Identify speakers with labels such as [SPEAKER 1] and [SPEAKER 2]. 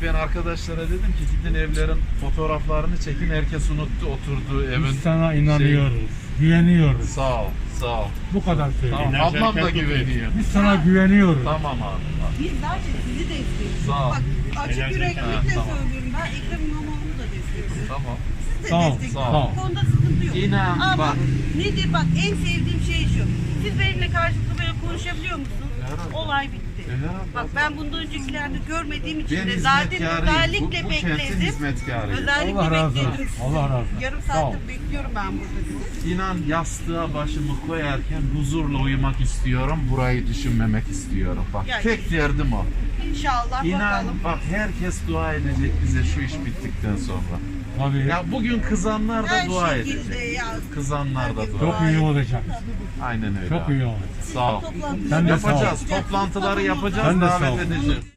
[SPEAKER 1] ben arkadaşlara dedim ki gidin evlerin fotoğraflarını çekin. Herkes unuttu oturduğu evin.
[SPEAKER 2] Biz sana inanıyoruz, güveniyoruz.
[SPEAKER 1] Sağ ol, sağ ol.
[SPEAKER 2] Bu kadar söyleyeyim.
[SPEAKER 1] Tamam, ablam da güveniyor.
[SPEAKER 2] Biz sana güveniyoruz.
[SPEAKER 1] Tamam abi.
[SPEAKER 3] Biz zaten sizi destekliyoruz.
[SPEAKER 1] Sağ ol.
[SPEAKER 3] Bak açık
[SPEAKER 1] Ha,
[SPEAKER 3] yüreklilikle
[SPEAKER 1] tamam.
[SPEAKER 3] söylüyorum. Ben Ekrem İmamoğlu'nu da destekliyorum.
[SPEAKER 1] Tamam.
[SPEAKER 3] Siz de
[SPEAKER 2] Sağ ol,
[SPEAKER 3] destekliyorsunuz.
[SPEAKER 1] sağ ol.
[SPEAKER 3] Bu konuda sıkıntı yok.
[SPEAKER 1] İnan,
[SPEAKER 3] Ama
[SPEAKER 1] bak.
[SPEAKER 3] nedir bak en sevdiğim şey şu. Siz benimle karşılıklı böyle konuşabiliyor musunuz?
[SPEAKER 1] Herhalde.
[SPEAKER 3] Olay bitti.
[SPEAKER 1] Herhalde.
[SPEAKER 3] Bak ben bundan öncekilerde görmediğim için
[SPEAKER 1] Ben
[SPEAKER 3] de zaten
[SPEAKER 1] hizmetkarıyım.
[SPEAKER 3] özellikle
[SPEAKER 1] Bu kentin
[SPEAKER 3] bekledim.
[SPEAKER 1] hizmetkarıyım.
[SPEAKER 3] Özellikle
[SPEAKER 2] Allah razı
[SPEAKER 3] bekledim
[SPEAKER 2] olsun.
[SPEAKER 3] sizi.
[SPEAKER 2] Allah razı olsun.
[SPEAKER 3] Yarım
[SPEAKER 2] Sağ ol.
[SPEAKER 3] saattir bekliyorum ben burada.
[SPEAKER 1] İnan yastığa başımı koyarken huzurla uyumak istiyorum. Burayı düşünmemek istiyorum. Bak
[SPEAKER 3] Ya,
[SPEAKER 1] tek derdim o.
[SPEAKER 3] İnşallah
[SPEAKER 1] İnan
[SPEAKER 3] bakalım.
[SPEAKER 1] bak herkes dua edecek bize şu iş bittikten sonra.
[SPEAKER 2] Tabii.
[SPEAKER 1] Ya bugün kızanlar da
[SPEAKER 3] Her
[SPEAKER 1] dua
[SPEAKER 3] şekilde
[SPEAKER 1] edecek.
[SPEAKER 3] ya.
[SPEAKER 1] Kızanlar da dua
[SPEAKER 2] Çok iyi olacak.
[SPEAKER 1] Aynen öyle.
[SPEAKER 2] Çok
[SPEAKER 1] abi.
[SPEAKER 2] iyi olacak.
[SPEAKER 1] Sağ ol.
[SPEAKER 3] Toplantıları
[SPEAKER 2] Sen de sağ ol.
[SPEAKER 1] Yapacağız. Toplantıları yapacağız.
[SPEAKER 2] Sen de sağ ol.
[SPEAKER 1] Davet edeceğiz.